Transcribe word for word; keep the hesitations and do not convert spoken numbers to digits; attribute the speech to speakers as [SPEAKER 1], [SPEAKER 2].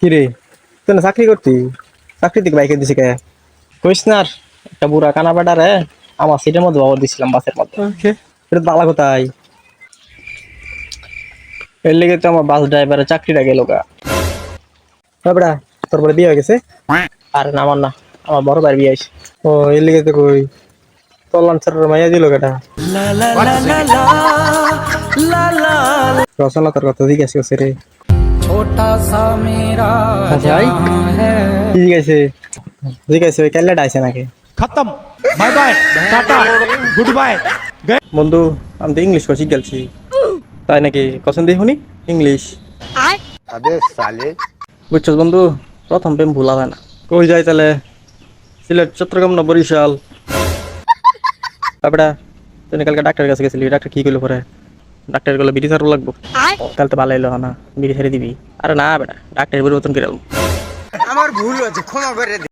[SPEAKER 1] কি রে, তুই না চাকরি করতি? চাকরি থেকে বাইকে দিছি কে? কইস না আর, একটা বুড়া কানা বেটা রে আমার সিটের মধ্যে বাবর দিছিলাম বাসের মধ্যে।
[SPEAKER 2] ওকে।
[SPEAKER 1] এটা তো বালা কোথায়, এর লেগে তো আমার বাস ড্রাইভারের চাকরিটা গেল গা। বেটা, তোর পরে বিয়ে হয়ে গেছে? আরে না, আমার না, আমার বড় ভাইয়ের বিয়ে হয়েছে। ও, এর লেগে তো কই তোর লাঞ্চারের মাইয়া দিল কেটা? রচনা তোর কথা জিজ্ঞেস করছে রে।
[SPEAKER 2] छोटा सा मेरा
[SPEAKER 1] আচ্ছা ভাই,
[SPEAKER 2] जहां है।
[SPEAKER 1] কি জিজ্ঞাসে? জিজ্ঞাসে ওই ক্যালেটা আছে নাকি?
[SPEAKER 2] खत्म। Bye bye tata goodbye.
[SPEAKER 1] বন্ধু, আমি তো ইংলিশ কোচিং গেলছি। তাই নাকি? কসম দিয়ে শুনি ইংলিশ।
[SPEAKER 3] अबे साले।
[SPEAKER 1] বুঝছস বন্ধু, প্রথম প্রেম ভুলা হয় না। কই যাই তাহলে? সিলেট, চট্টগ্রাম না বরিশাল? তারপরে তুই কালকে ডাক্তারের কাছে গেছিলি, ডাক্তার কি কইলো পরে? ডাক্তার গুলো বিড়ি ছাড়া লাগবো। তাহলে তো ভালো হইলো না, বিড়ি ছেড়ে দিবি? আরে না বেটা, ডাক্তারের পরিবর্তন করে
[SPEAKER 3] আমার ভুল হয়েছে, ক্ষমা করে দে।